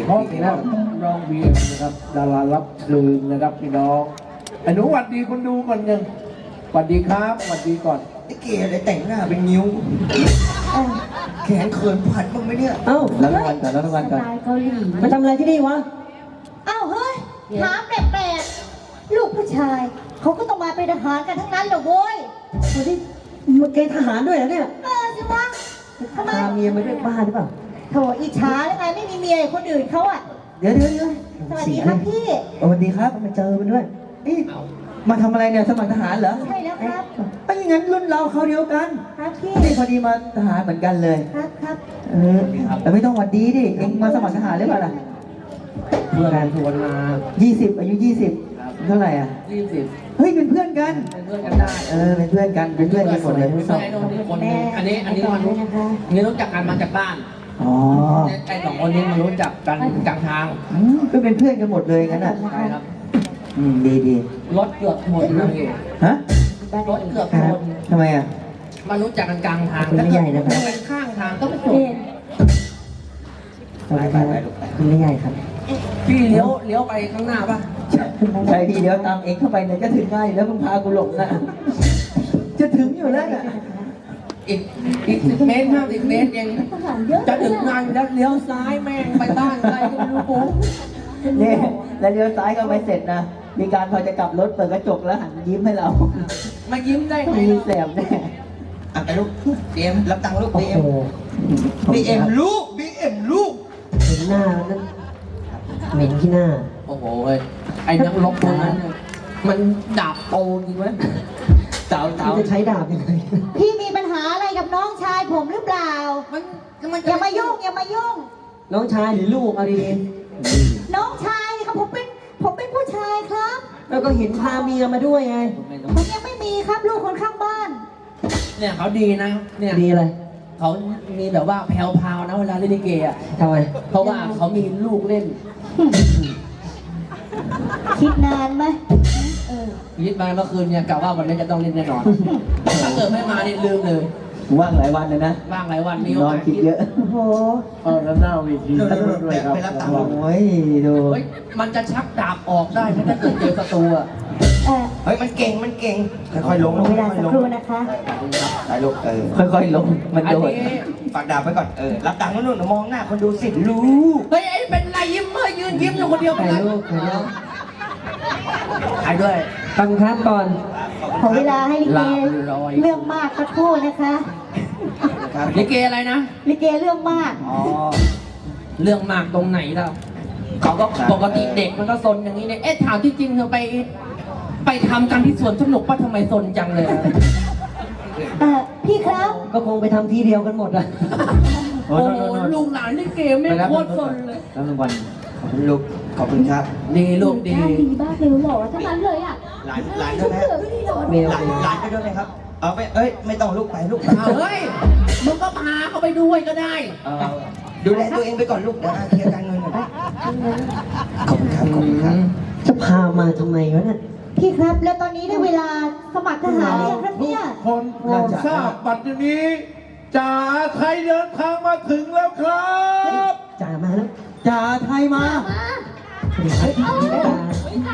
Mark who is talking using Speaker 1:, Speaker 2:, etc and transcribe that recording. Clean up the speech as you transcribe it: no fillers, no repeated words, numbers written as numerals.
Speaker 1: พร้อมแล้วน้องเบียร์นะครับดารารับเชิญนะครับพี่น้องอนุวัดดีคนดูก่อนยังสวัสดีครับสวัสดีก่อน
Speaker 2: ไอ้เก๋อะไรแต่งหน้าเป็นนิ้วแขนเขินผัดบ้างไหมเนี่ย
Speaker 3: เอ้า
Speaker 1: แล้วทุกวันก่อนแล้วทุกวันก่อน
Speaker 4: เกาหลี
Speaker 3: มาทำอะไรที่นี่วะ
Speaker 4: อ้าวเฮ้ยถามแปลกๆลูกผู้ชายเขาก็ต้องมาเป็นทหารกันทั้งนั้นเหรอโว้ย
Speaker 3: คนที่มาเกณฑ์ทหารด้วยเหรอเนี่ย
Speaker 4: สิวะทำไม
Speaker 3: พาเมียมาด้วยบ้าหรือเปล่า
Speaker 4: โถอิจฉาหรือไงไม่มีเมียคนอื่นเขาอ่ะ
Speaker 3: เดี๋ยว
Speaker 4: สวัสดีครับพี่
Speaker 3: สวัสดีครับมาเจอมันด้วยมาทำอะไรเนี่ยสมัครทหารเหรอ
Speaker 4: ใช่แล้วครับ
Speaker 3: ไม่งั้นรุ่นเราเขาเดียวกัน
Speaker 4: ครับพี่
Speaker 3: นี่พอดีมาทหารเหมือนกันเลย
Speaker 4: ครับ
Speaker 3: แต่ไม่ต้องหวัดดีดิเอ็งมาสมัครทหารหรือเปล่าล่ะ
Speaker 1: เพื่อนชวนมา
Speaker 3: 20อายุ20เท่าไหร่อ่ะ
Speaker 1: 20
Speaker 3: เฮ้ยเป็นเพื่อนกัน
Speaker 1: เป็นเพื่อนกันได้
Speaker 3: เป็นเพื่อนกันเป็นเพื่อนกันหมดเลยทั้งสอง
Speaker 1: ไอ้น้องนี่คนนึงอันนี้มันรู้จักกันมาจากบ้าน
Speaker 3: อ๋อ
Speaker 1: ไอ้สองคนนี้มารู้จักกันกลางทาง
Speaker 3: ก็เป็นเพื่อนกันหมดเลยงั้นอ่ะ
Speaker 1: ใช่ครับ
Speaker 3: ดี
Speaker 1: รถเกือบหมดเลย
Speaker 3: ฮะ
Speaker 1: รถเกือบ
Speaker 3: ค
Speaker 1: ห
Speaker 3: รั
Speaker 1: ม
Speaker 3: บ
Speaker 1: ด
Speaker 3: ทำไมอ่ะ
Speaker 1: มารู้จักกันกลางทาง
Speaker 3: คุณไม่ใหญ่นะครับ
Speaker 1: ถ้าเกิดเป็นข้างทางก็ไม่จบ
Speaker 3: คุณไม่ใหญ่ครับ
Speaker 1: พี่เลี้ยวไปข้างหน้าป่ะ
Speaker 3: ใช่พี่เดี๋ยวตามเองเข้าไปเนี่ยจะถึงง่ายแล้วมึงพากูหลงนะจะถึงอยู่แล้วน่ะ
Speaker 1: อีก10 เมตร50 เมตรเองจะถึงงานแล้วเลี้ยวซ้ายแม่งไปบ้านใครก็ไม่รู้ปุ๊บ
Speaker 3: เนี่ยแล้วเลี้ยวซ้ายก็ไม่เสร็จนะมีการพอจะกลับรถเปิดกระจกแล้วหันยิ้มให้เรา
Speaker 1: มายิ้มได้ไง
Speaker 3: มีแสบแน่
Speaker 2: ไปลูกบีเอ็มรับตังค์ลูก
Speaker 3: โอ้
Speaker 2: บี
Speaker 3: โห
Speaker 2: เอ็มลูกบีเอ็มลูก
Speaker 3: เห็นหน้านั่นเหม็นที่หน้า
Speaker 1: โอ้โหไอ้นักรบคนนั้นเนี่ยมันดาบโตจริงไหมเต่า
Speaker 3: จะใช้ดาบยังไง
Speaker 4: พี่มีปัญหาอะไรกับน้องชายผมหรือเปล่า
Speaker 1: มัน
Speaker 4: อย่ามายุ่งอย่ามายุ่ง
Speaker 3: น้องชายหรือลูกเอาดี
Speaker 4: น้องชายครับผมเป็นผู้ชายครับ
Speaker 3: ๆแล้วก็เห็นพาเมียมาด้วยไง
Speaker 4: ผมยังไม่มีครับลูกคนข้างบ้าน
Speaker 1: เนี่ยเขาดีนะเนี่ย
Speaker 3: ดีอะไร
Speaker 1: เขามีแบบว่าแพรวๆนะเวลาเล่นลิเกอ่ะ
Speaker 3: ทำไม
Speaker 1: เพราะว่าเขามีลูกเล่น
Speaker 4: คิดนานไหม
Speaker 1: ยิดมาเมื่อคืนเนี่ยกะว่าวันนี้จะต้องเล่นแน่นอนถ้าเกิดไม่มานี่ลืมเลย
Speaker 3: ว่างหลายวันเลยนะ
Speaker 1: ว่างหลายวันมีโอน
Speaker 3: อน
Speaker 1: กาส
Speaker 3: คิดเยอะ
Speaker 4: โอ้โห
Speaker 1: แล้วหน้าเวทีด้วยครับ
Speaker 2: ไปรับตังค์ลูก
Speaker 3: โอ้ยดู
Speaker 1: เฮ้ยมันจะชักดาบออกได้ไหมถ้าเกิดเจอศัตรูอ่ะ
Speaker 2: เฮ้ยมันเก่งค่อยๆลง
Speaker 4: เวลาสักครู่นะคะ
Speaker 2: ไปลูก
Speaker 3: ค่อยๆลงมัน
Speaker 1: อัน
Speaker 3: โดด
Speaker 1: นี้
Speaker 2: ฝากดาบไว้ก่อนรับตังค์นู่นมองหน้าคนดูสิลูก
Speaker 1: เฮ้ยไอ้เป็นไรยิ้มเมื่อยืนยิ้มอยู่คนเดียว
Speaker 3: ถ่าย
Speaker 1: กัน
Speaker 3: รูปถ่ายรูป
Speaker 1: ถ่ายด้วย
Speaker 3: ฟังครับก่อน
Speaker 4: ขอเวลาให้ลิเกเรื่องมากสักครู่นะคะ
Speaker 2: ครับ
Speaker 1: ลิเกอะไรนะ
Speaker 4: ลิเกเรื่องมาก
Speaker 2: อ๋อ
Speaker 1: เรื่องมากตรงไหนล่ะเขาก็ปกติเด็กมันก็ซนอย่างนี้เนี่ยถามที่จริงเธอไปทำกันที่สวนสนุกป่ะทำไมซนจังเลย
Speaker 4: พี่ครับ
Speaker 3: ก็คงไปทำที่เดียวกันหมดอะ
Speaker 1: โอ้โหลูกหลานลิเกไม่โคตรซนเลย
Speaker 3: แล้วรางวัล
Speaker 2: ขอบคุณลูกขอบคุณครับ
Speaker 1: ดีลูกดี
Speaker 4: ดีบ้าเลยหล่อทั้งนั้นเลยอ่ะ
Speaker 2: หลานด้วยนะ
Speaker 3: เมีย
Speaker 2: หลานไปด้วยเลยครับ เอาไปไม่ต้องลูกไปลูก
Speaker 1: เอาเฮ้ยมึงก็พาเขาไปด้วยก็ได้
Speaker 2: ดูแลตัวเองไปก่อนลูกเดี๋ยวเคลียร์การเงินก่อนขอบคุณครับ
Speaker 3: จะพามาทำไมวะเนี่ย
Speaker 4: พี่ครับ แล้วตอนนี้ได้เวลาสมัครทหารหรือยังครับเนี่ย
Speaker 1: คนโปรดทราบปัจจุบันนี้จ่าไทยเดินทางมาถึงแล้วครับ
Speaker 3: จ่ามาแล้วจ่าไทยมา
Speaker 4: มา
Speaker 3: สวัสดีครับจ่า